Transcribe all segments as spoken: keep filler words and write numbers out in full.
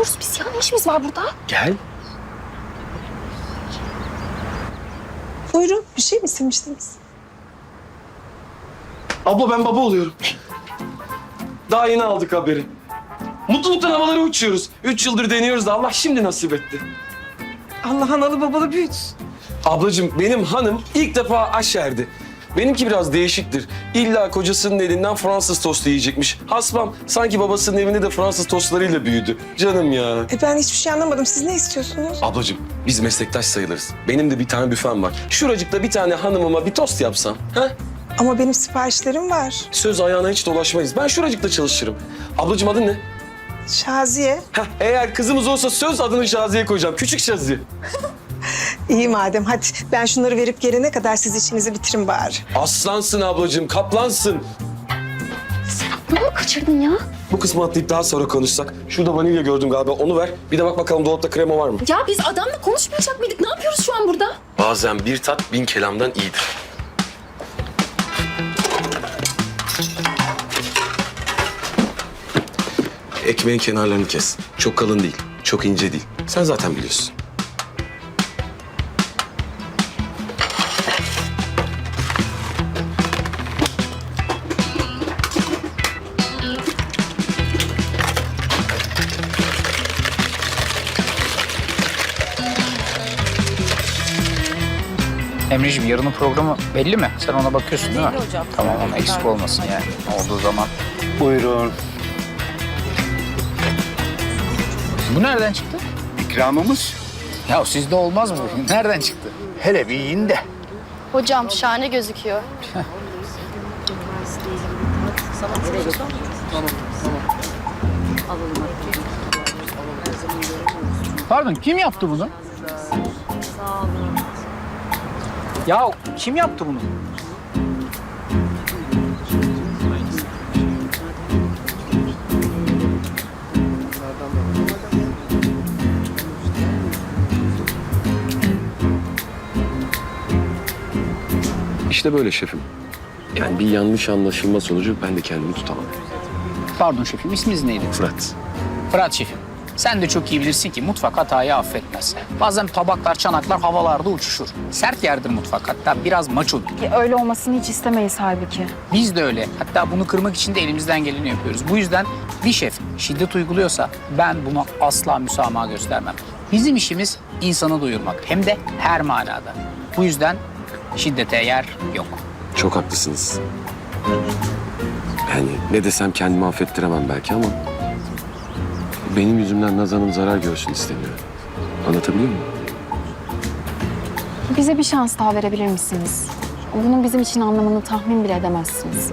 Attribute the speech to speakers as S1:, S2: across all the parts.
S1: yapıyoruz biz ya? Ne işimiz var burada?
S2: Gel.
S3: Buyurun, bir şey mi istemiştiniz?
S2: Abla ben baba oluyorum. Daha yeni aldık haberi. Mutluluktan havalara uçuyoruz. Üç yıldır deniyoruz da Allah şimdi nasip etti.
S3: Allah analı babalı büyütsün.
S2: Ablacığım benim hanım ilk defa aşerdi. Benimki biraz değişiktir. İlla kocasının elinden Fransız tostu yiyecekmiş. Hasbam sanki babasının evinde de Fransız tostlarıyla büyüdü. Canım ya.
S3: E ben hiçbir şey anlamadım. Siz ne istiyorsunuz?
S2: Ablacığım biz meslektaş sayılırız. Benim de bir tane büfem var. Şuracıkta bir tane hanımıma bir tost yapsam. Ha?
S3: Ama benim siparişlerim var.
S2: Söz ayağına hiç dolaşmayız. Ben şuracıkta çalışırım. Ablacığım adın ne?
S3: Şaziye.
S2: Heh, eğer kızımız olsa söz adını Şaziye koyacağım. Küçük Şaziye.
S3: İyi madem, hadi. Ben şunları verip gelene kadar siz işinizi bitirin bari.
S2: Aslansın ablacığım, kaplansın.
S1: Ne oldu, kaçırdın ya?
S2: Bu kısmı atlayıp daha sonra konuşsak. Şurada vanilya gördüm galiba, onu ver. Bir de bak bakalım dolapta krema var mı?
S1: Ya biz adamla konuşmayacak mıydık? Ne yapıyoruz şu an burada?
S2: Bazen bir tat bin kelamdan iyidir. Ekmeğin kenarlarını kes. Çok kalın değil, çok ince değil. Sen zaten biliyorsun.
S4: Emreciğim yarının programı belli mi? Sen ona bakıyorsun değil mi?
S5: Belli hocam.
S4: Tamam ama eksik olmasın yani. Olduğu zaman.
S6: Buyurun.
S4: Bu nereden çıktı?
S6: İkramımız.
S4: Ya sizde olmaz mı? Nereden çıktı?
S6: Hele bir yiyin de.
S5: Hocam şahane gözüküyor.
S4: Pardon kim yaptı bunu? Ya kim yaptı bunu?
S2: İşte böyle şefim. Yani bir yanlış anlaşılma sonucu ben de kendimi tutamam.
S4: Pardon şefim isminiz neydi?
S2: Fırat.
S4: Fırat şefim. Sen de çok iyi bilirsin ki mutfak hatayı affetmez. Bazen tabaklar, çanaklar havalarda uçuşur. Sert yerdir mutfak, hatta biraz maçodur.
S7: Öyle olmasını hiç istemeyiz halbuki.
S4: Biz de öyle. Hatta bunu kırmak için de elimizden geleni yapıyoruz. Bu yüzden bir şef şiddet uyguluyorsa ben buna asla müsamaha göstermem. Bizim işimiz insanı doyurmak. Hem de her manada. Bu yüzden şiddete yer yok.
S2: Çok haklısınız. Yani ne desem kendimi affettiremem belki ama... benim yüzümden Naz Hanım zarar görsün istemiyorum. Anlatabiliyor muyum?
S7: Bize bir şans daha verebilir misiniz? Bunun bizim için anlamını tahmin bile edemezsiniz.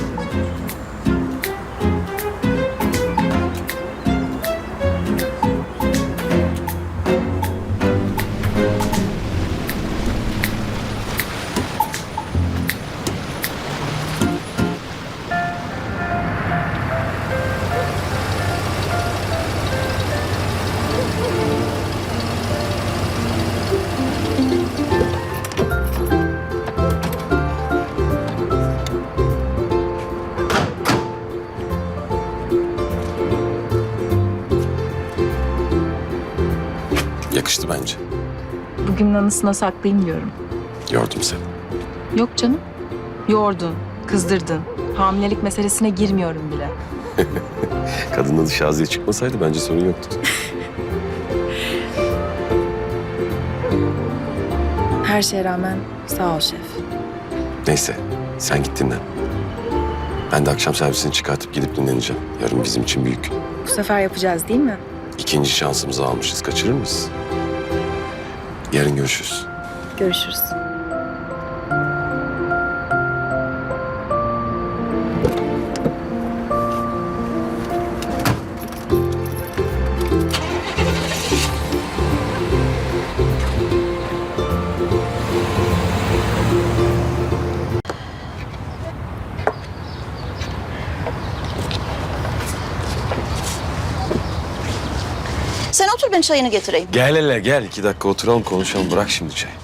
S2: Yakıştı bence.
S8: Bugünün anısına saklayayım diyorum.
S2: Gördüm seni.
S8: Yok canım. Yordun, kızdırdın. Hamilelik meselesine girmiyorum bile.
S2: Kadın adı Şaziye çıkmasaydı bence sorun yoktu.
S8: Her şeye rağmen sağ ol şef.
S2: Neyse sen git dinlen. Ben de akşam servisini çıkartıp gidip dinleneceğim. Yarın bizim için büyük.
S8: Bu sefer yapacağız değil mi?
S2: İkinci şansımızı almışız. Kaçırır mıyız? Yarın görüşürüz.
S8: Görüşürüz.
S5: Sen otur ben çayını getireyim.
S2: Gel hele gel. İki dakika oturalım konuşalım. Bırak şimdi çay.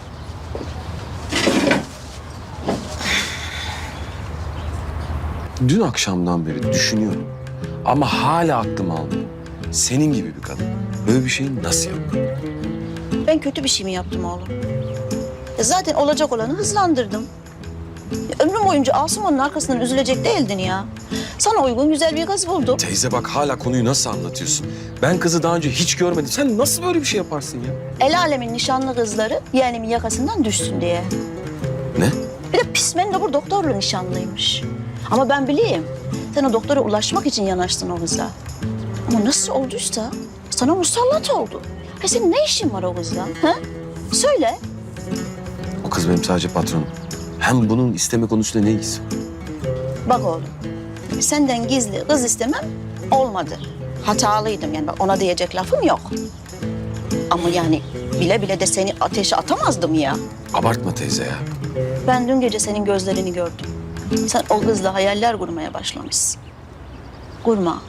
S2: Dün akşamdan beri düşünüyorum. Ama hala aklım almıyor. senin gibi bir kadın böyle bir şeyi nasıl yaptı?
S5: Ben kötü bir şey mi yaptım oğlum? E zaten olacak olanı hızlandırdım. Ya ömrüm boyunca Asuman'ın arkasından üzülecek değildin ya. Sana uygun güzel bir kız buldum.
S2: Teyze bak hala konuyu nasıl anlatıyorsun? Ben kızı daha önce hiç görmedim. Sen nasıl böyle bir şey yaparsın ya?
S5: El alemin nişanlı kızları yeğenimin yakasından düşsün diye.
S2: Ne?
S5: Bir de pis mendebur doktorla nişanlıymış. Ama ben bileyim. Sen o doktora ulaşmak için yanaştın o kıza. Ama nasıl olduysa sana musallat oldu. Ha senin ne işin var o kızla? Ha? Söyle.
S2: O kız benim sadece patronum. Hem bunun isteme konusunda ne ilgisi var?
S5: Bak oğlum. Senden gizli kız istemem olmadı. Hatalıydım yani bak ona diyecek lafım yok. Ama yani bile bile de seni ateşe atamazdım ya.
S2: Abartma teyze ya.
S5: Ben dün gece senin gözlerini gördüm. Sen o kızla hayaller kurmaya başlamışsın. Kurma.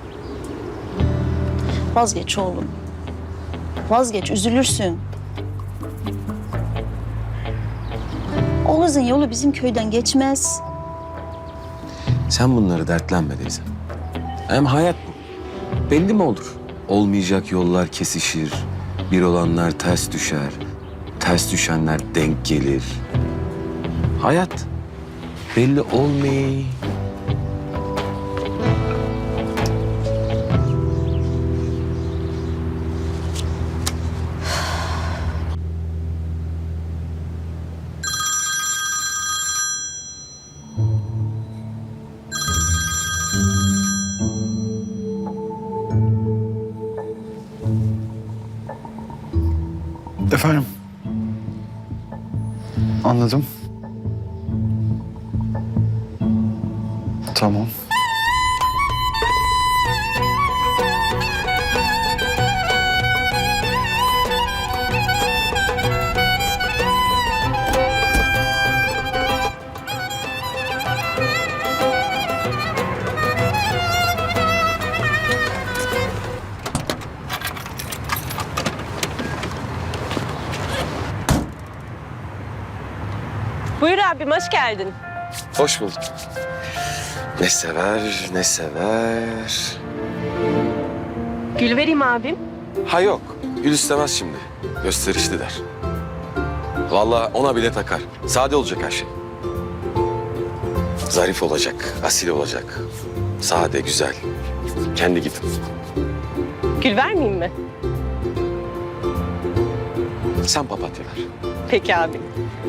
S5: Vazgeç oğlum. Vazgeç, üzülürsün. O kızın yolu bizim köyden geçmez.
S2: Sen bunları dertlenme teyze. Hem hayat bu. Belli mi olur? Olmayacak yollar kesişir. Bir olanlar ters düşer. Ters düşenler denk gelir. Hayat belli olmay.
S6: Efendim? Anladım. Tamam.
S9: Buyur abim, hoş geldin.
S2: Hoş bulduk. Ne sever, ne sever.
S9: Gül vereyim abim.
S2: Ha yok, gül istemez şimdi. Gösterişli der. Vallahi ona bile takar. Sade olacak her şey. Zarif olacak, asil olacak. Sade, güzel. Kendi gibi.
S9: Gül vermeyeyim mi?
S2: Sen papatya ver.
S9: Peki abi.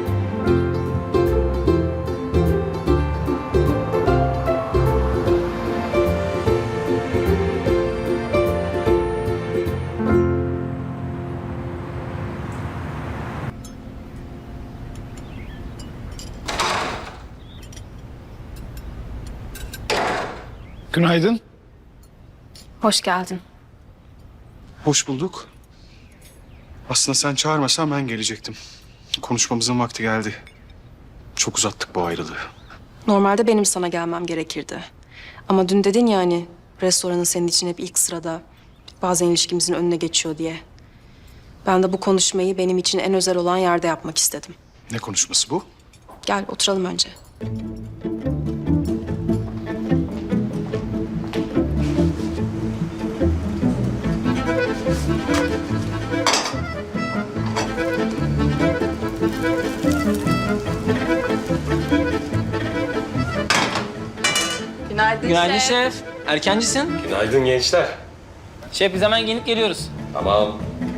S6: Günaydın.
S7: Hoş geldin.
S10: Hoş bulduk. Aslında sen çağırmasan ben gelecektim. Konuşmamızın vakti geldi. Çok uzattık bu ayrılığı.
S8: Normalde benim sana gelmem gerekirdi. Ama dün dedin ya hani restoranın senin için hep ilk sırada. Bazen ilişkimizin önüne geçiyor diye. Ben de bu konuşmayı benim için en özel olan yerde yapmak istedim.
S10: Ne konuşması bu?
S8: Gel oturalım önce.
S11: Günaydın,
S12: Günaydın
S11: şef.
S12: şef. Erkencisin.
S2: Günaydın gençler.
S12: Şef biz hemen gelip geliyoruz.
S2: Tamam.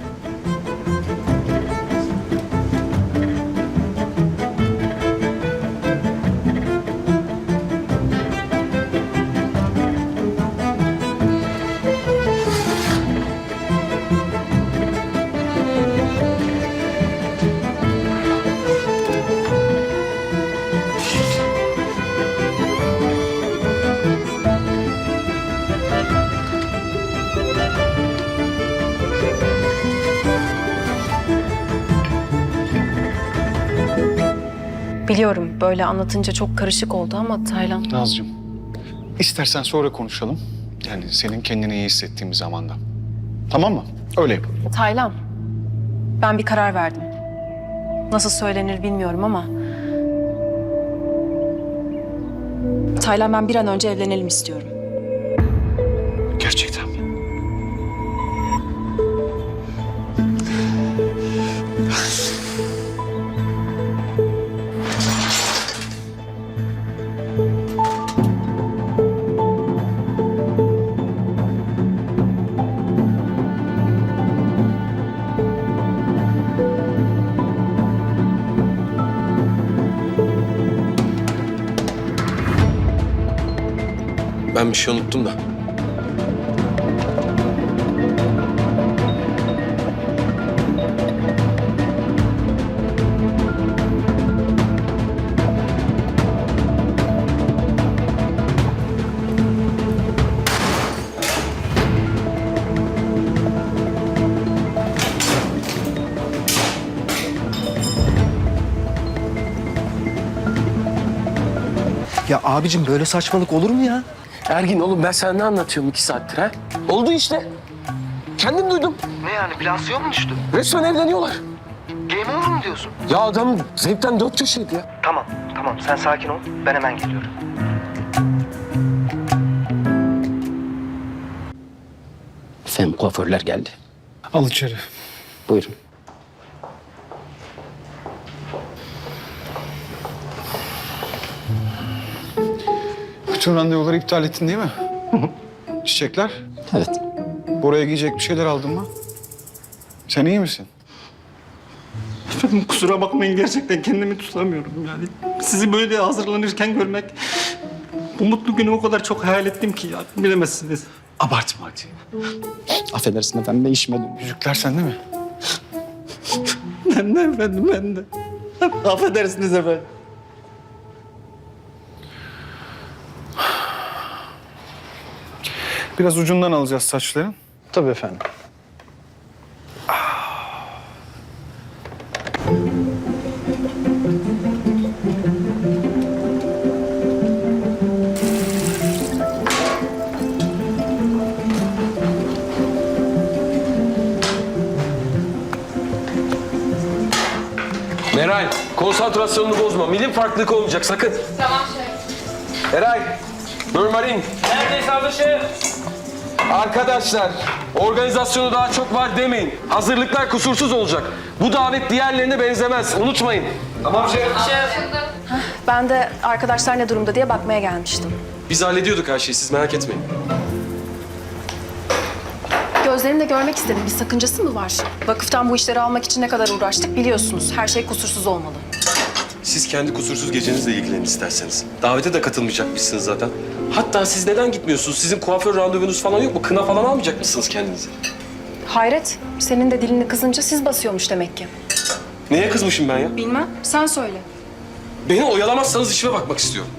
S8: Biliyorum böyle anlatınca çok karışık oldu ama Taylan...
S10: Nazcığım, istersen sonra konuşalım. Yani senin kendini iyi hissettiğin bir zamanda. Tamam mı? Öyle yapalım.
S8: Taylan, ben bir karar verdim. Nasıl söylenir bilmiyorum ama... Taylan ben bir an önce evlenelim istiyorum.
S10: Gerçekten mi?
S2: Ben bir şey unuttum da.
S11: Ya abicim böyle saçmalık olur mu ya?
S2: Ergin oğlum ben sana ne anlatıyorum iki saattir ha? Oldu işte. Kendim duydum.
S11: Ne yani plasyon mu düştü?
S2: Resmen evleniyorlar.
S11: Game over mu diyorsun?
S2: Ya adam zevkten dört köşeydi ya.
S11: Tamam tamam sen sakin ol. Ben hemen geliyorum.
S4: Efendim kuaförler geldi.
S6: Al içeri.
S4: Buyurun.
S6: Bütün randevuları iptal ettin değil mi? Çiçekler?
S4: Evet.
S6: Bora'ya giyecek bir şeyler aldın mı? Sen iyi misin?
S13: Efendim kusura bakmayın gerçekten kendimi tutamıyorum yani. Sizi böyle hazırlanırken görmek... Bu mutlu günü o kadar çok hayal ettim ki ya bilemezsiniz.
S6: Abartma hadi.
S4: Affedersin efendim ben işime dönüyorum.
S6: Yüzükler sende mi?
S13: Ben de efendim ben de. Affedersiniz efendim.
S6: Biraz ucundan alacağız saçların.
S11: Tabii efendim.
S2: Meral, konsantrasyonunu bozma. Milim farklılık olmayacak sakın. Tamam şef. Eray, Mürmarin.
S12: Neredeyiz abi şef?
S2: Arkadaşlar, organizasyonu daha çok var demeyin. Hazırlıklar kusursuz olacak. Bu davet diğerlerine benzemez. Unutmayın.
S8: Ben de arkadaşlar ne durumda diye bakmaya gelmiştim.
S2: Biz hallediyorduk her şeyi. Siz merak etmeyin.
S8: Gözlerimle görmek istedim. Bir sakıncası mı var? Vakıftan bu işleri almak için ne kadar uğraştık biliyorsunuz. Her şey kusursuz olmalı.
S2: Siz kendi kusursuz gecenizle ilgilenin isterseniz. Davete de katılmayacakmışsınız zaten. Hatta siz neden gitmiyorsunuz? Sizin kuaför randevunuz falan yok mu? Kına falan almayacak mısınız kendinize?
S8: Hayret, senin de dilini kızınca siz basıyormuş demek ki.
S2: Neye kızmışım ben ya?
S8: Bilmem, sen söyle.
S2: Beni oyalamazsanız işime bakmak istiyorum.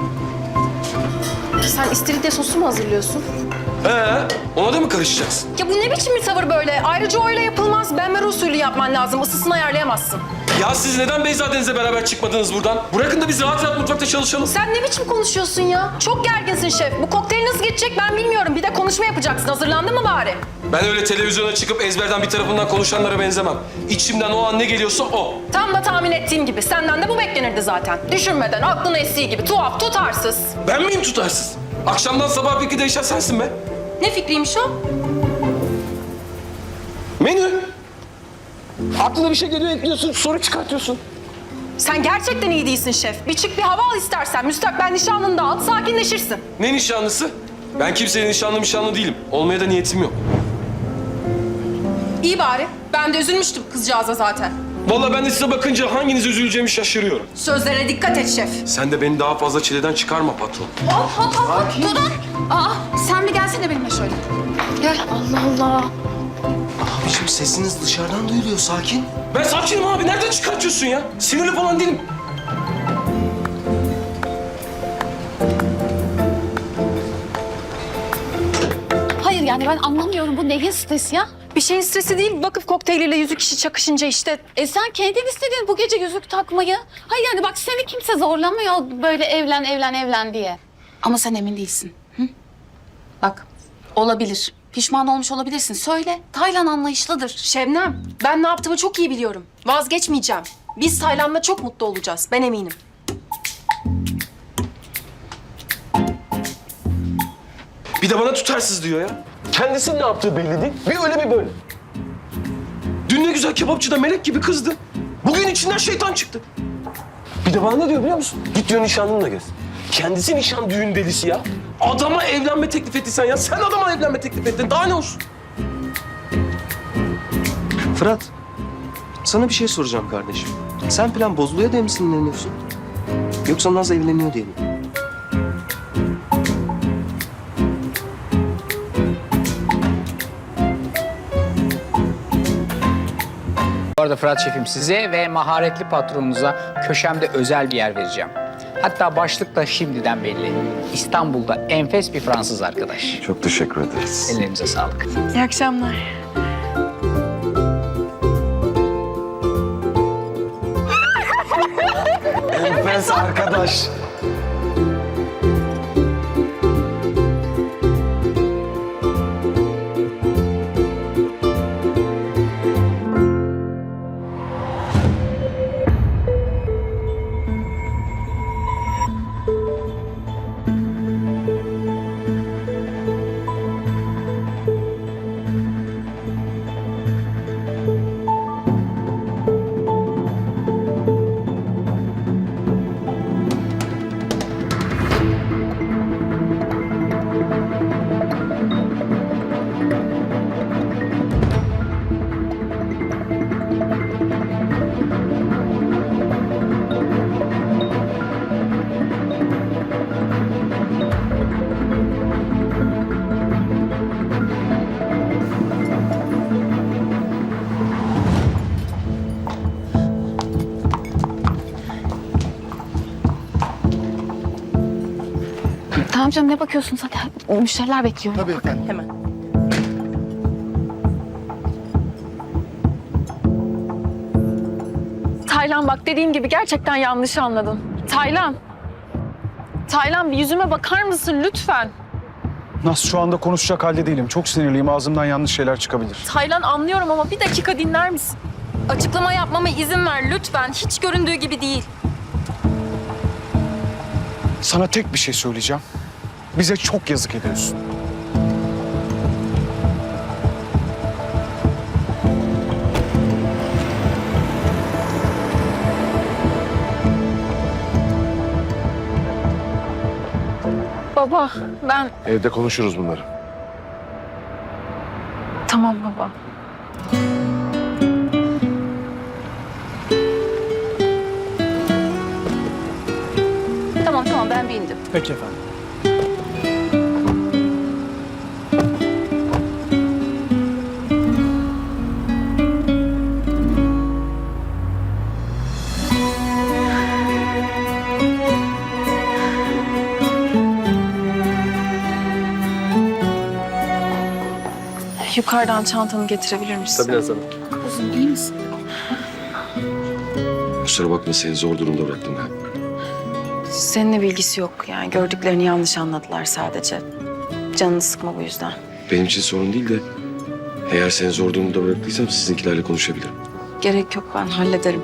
S8: Sen istiridye sosu mu hazırlıyorsun?
S2: He, ona da mı karışacaksın?
S8: Ya bu ne biçim bir tavır böyle? Ayrıca öyle yapılmaz. Benmer usulü yapman lazım. Isısını ayarlayamazsın.
S2: Ya siz neden Beyza Deniz'le beraber çıkmadınız buradan? Bırakın da biz rahat rahat mutfakta çalışalım.
S8: Sen ne biçim konuşuyorsun ya? Çok gerginsin şef. Bu kokteyl nasıl geçecek ben bilmiyorum. Bir de konuşma yapacaksın. Hazırlandın mı bari?
S2: Ben öyle televizyona çıkıp ezberden bir tarafından konuşanlara benzemem. İçimden o an ne geliyorsa o.
S8: Tam da tahmin ettiğim gibi. Senden de bu beklenirdi zaten. Düşünmeden, aklın estiği gibi. Tuhaf, tutarsız.
S2: Ben miyim tutarsız? Akşamdan sabah fikri değişen sensin be.
S8: Ne fikriymiş o?
S2: Menü. Aklına bir şey geliyor ekliyorsun, soru çıkartıyorsun.
S8: Sen gerçekten iyi değilsin şef. Bir çık bir hava al istersen. Müstakbel nişanlını da al, sakinleşirsin.
S2: Ne nişanlısı? Ben kimsenin nişanlı nişanlı değilim. Olmaya da niyetim yok.
S8: İyi bari. Ben de üzülmüştüm kızcağıza zaten.
S2: Vallahi ben de size bakınca hanginiz üzüleceğimi şaşırıyorum.
S8: Sözlerine dikkat et şef.
S2: Sen de beni daha fazla çileden çıkarma patron.
S7: Hop hop hop hop. Dur. Aa sen bir gelsene benimle şöyle. Gel. Allah Allah.
S11: Abicim sesiniz dışarıdan duyuluyor sakin.
S2: Ben sakinim abi. Nereden çıkartıyorsun ya? Sinirli falan değilim.
S7: Hayır yani ben anlamıyorum bu neyin stresi ya?
S8: Bir şeyin stresi değil. Vakıf kokteyliyle yüzük işi çakışınca işte.
S7: E sen kendin istedin bu gece yüzük takmayı. Hayır yani bak seni kimse zorlamıyor böyle evlen evlen evlen diye. Ama sen emin değilsin. Hı? Bak olabilir. Pişman olmuş olabilirsin. Söyle. Taylan anlayışlıdır.
S8: Şebnem, ben ne yaptığımı çok iyi biliyorum. Vazgeçmeyeceğim. Biz Taylan'la çok mutlu olacağız. Ben eminim.
S2: Bir de bana tutarsız diyor ya. Kendisinin ne yaptığı belli değil. Bir öyle bir böyle. Dün ne güzel kebapçıda melek gibi kızdı. Bugün içinden şeytan çıktı. Bir de bana ne diyor biliyor musun? Git diyor nişanlınla gez. Kendisi nişan düğün delisi ya. Adama evlenme teklif ettiysen ya. Sen adama evlenme teklif ettin. Daha ne olsun?
S11: Fırat, sana bir şey soracağım kardeşim. Sen plan bozuluyor diye mi sinirleniyorsun? Yoksa Naz evleniyor diye mi?
S4: arada Fırat Şefim, size ve maharetli patronunuza köşemde özel bir yer vereceğim. Hatta başlık da şimdiden belli. İstanbul'da enfes bir Fransız arkadaş.
S2: Çok teşekkür ederiz.
S4: Ellerinize sağlık.
S8: İyi akşamlar.
S2: Enfes arkadaş.
S7: Tamam canım, ne bakıyorsun zaten? Müşteriler bekliyor.
S6: Tabii efendim.
S8: Hemen.
S1: Taylan bak, dediğim gibi gerçekten yanlış anladın. Taylan. Taylan, bir yüzüme bakar mısın lütfen?
S6: Naz, şu anda konuşacak halde değilim. Çok sinirliyim. Ağzımdan yanlış şeyler çıkabilir.
S1: Taylan, anlıyorum ama bir dakika dinler misin? Açıklama yapmama izin ver lütfen. Hiç göründüğü gibi değil.
S6: Sana tek bir şey söyleyeceğim. Bize çok yazık ediyorsun.
S1: Baba, ben...
S2: Evde konuşuruz bunları.
S1: Tamam baba.
S5: Tamam tamam ben bir indim.
S6: Peki efendim.
S8: Yukarıdan çantanı getirebilir misin?
S11: Tabii Naz Hanım.
S7: Kuzum, iyi misin?
S2: Kusura bakma, seni zor durumda bıraktım galiba.
S8: Seninle bilgisi yok. Yani gördüklerini yanlış anladılar sadece. Canını sıkma bu yüzden.
S2: Benim için sorun değil de eğer seni zor durumda bıraktıysam sizinkilerle konuşabilirim.
S8: Gerek yok, ben hallederim.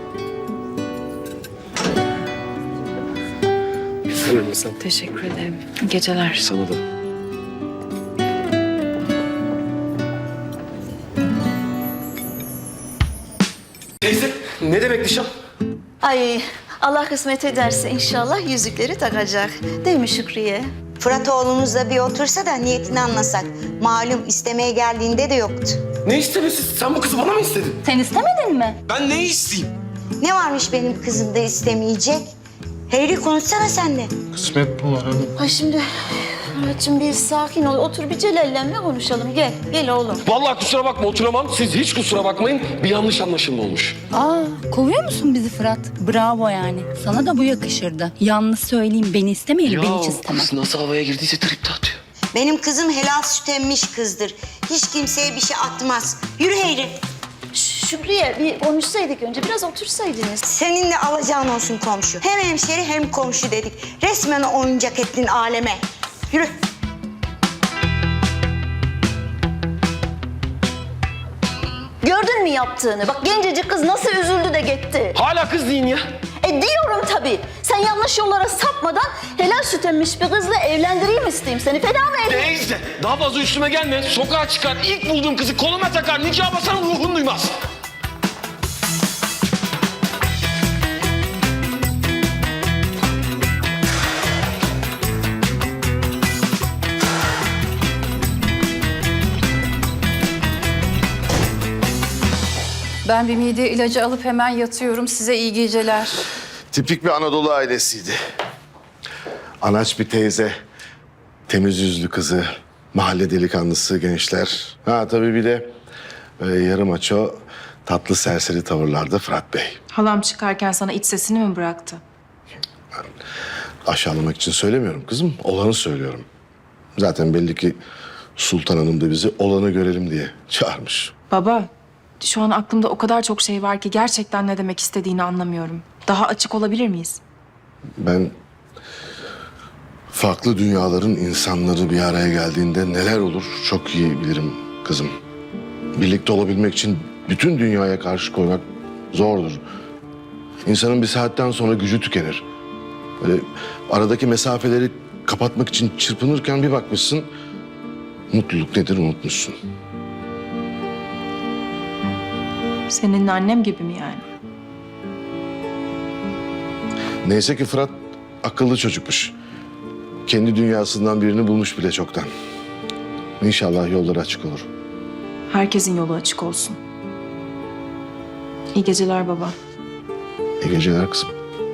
S11: Buyurun Naz Hanım.
S8: Teşekkür ederim. İyi geceler.
S2: Sana da. Teyze, ne demek nişan?
S5: Ay Allah kısmet ederse inşallah yüzükleri takacak. Değil mi Şükriye?
S14: Fırat oğlumuzla bir otursa da niyetini anlasak. Malum istemeye geldiğinde de yoktu.
S2: Ne istemesi? Sen bu kızı bana mı istedin?
S5: Sen istemedin mi?
S2: Ben neyi isteyeyim?
S14: Ne varmış benim kızım da istemeyecek? Hayri konuşsana sen de.
S13: Kısmet bu var hanım.
S5: Ay şimdi Murat'cığım bir sakin ol. Otur bir Celal'le konuşalım. Gel, gel oğlum.
S2: Vallahi kusura bakma, oturamam. Siz hiç kusura bakmayın. Bir yanlış anlaşılma olmuş.
S7: Aa, kovuyor musun bizi Fırat? Bravo yani. Sana da bu yakışırdı. Yalnız söyleyeyim, beni istemeyelim, ben hiç istemem.
S2: Kız nasıl havaya girdiyse trip de atıyor.
S14: Benim kızım helal süt emmiş kızdır. Hiç kimseye bir şey atmaz. Yürü Hayri.
S5: Ş- Şükriye bir konuşsaydık önce. Biraz otursaydınız.
S14: Seninle alacağın olsun komşu. Hem hemşeri hem komşu dedik. Resmen oyuncak ettin aleme. Yürü.
S5: Gördün mü yaptığını? Bak gencecik kız nasıl üzüldü de gitti.
S2: Hala kız deyin ya.
S5: E diyorum tabii. Sen yanlış yollara sapmadan helal süt emmiş bir kızla evlendireyim isteyeyim seni. Feda mı edeyim?
S2: Teyze, daha fazla üstüme gelme. Sokağa çıkar, ilk bulduğum kızı koluma takar. Nikah basarım, ruhun duymaz.
S7: Ben bir mide ilacı alıp hemen yatıyorum. Size iyi geceler.
S15: Tipik bir Anadolu ailesiydi. Anaç bir teyze, temiz yüzlü kızı, mahalle delikanlısı gençler. Ha tabii bir de e, yarım aço, tatlı serseri tavırlarda Fırat Bey.
S8: Halam çıkarken sana iç sesini mi bıraktı?
S15: Aşağılamak için söylemiyorum kızım, olanı söylüyorum. Zaten belli ki Sultan Hanım da bizi olanı görelim diye çağırmış.
S8: Baba, şu an aklımda o kadar çok şey var ki gerçekten ne demek istediğini anlamıyorum. Daha açık olabilir miyiz?
S15: Ben farklı dünyaların insanları bir araya geldiğinde neler olur çok iyi bilirim kızım. Birlikte olabilmek için bütün dünyaya karşı koymak zordur. İnsanın bir saatten sonra gücü tükenir. Böyle aradaki mesafeleri kapatmak için çırpınırken bir bakmışsın, mutluluk nedir unutmuşsun.
S8: Senin annem gibi mi yani?
S15: Neyse ki Fırat akıllı çocukmuş. Kendi dünyasından birini bulmuş bile çoktan. İnşallah yolları açık olur.
S8: Herkesin yolu açık olsun. İyi geceler baba.
S15: İyi geceler kızım.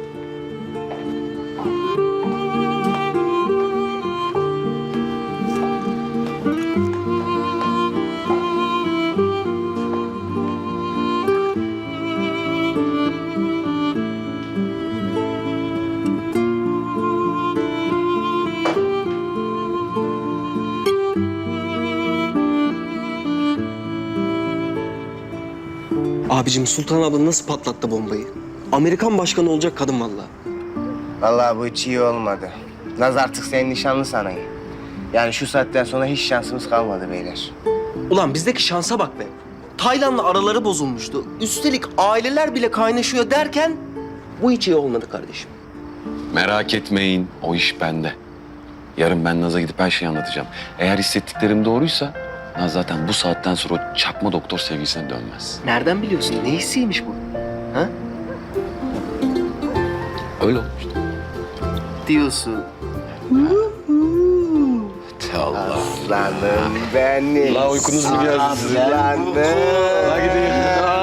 S11: Abicim Sultan abla nasıl patlattı bombayı? Amerikan başkanı olacak kadın vallahi.
S16: Vallahi bu hiç iyi olmadı. Naz artık senin nişanlı sanayım. Yani şu saatten sonra hiç şansımız kalmadı beyler.
S11: Ulan bizdeki şansa bak be. Taylan'la araları bozulmuştu. Üstelik aileler bile kaynaşıyor derken bu hiç iyi olmadı kardeşim.
S2: Merak etmeyin, o iş bende. Yarın ben Naz'a gidip her şeyi anlatacağım. Eğer hissettiklerim doğruysa Naz zaten bu saatten sonra o çakma doktor sevgisine dönmez.
S11: Nereden biliyorsun? Ne hissiymiş bu? Ha?
S2: Öyle olmuştu.
S16: Diyorsun.
S2: Allah.
S16: Aslanım benim.
S2: La uykunuz mu geldi sizin?
S16: Aslanım.
S2: La gidin.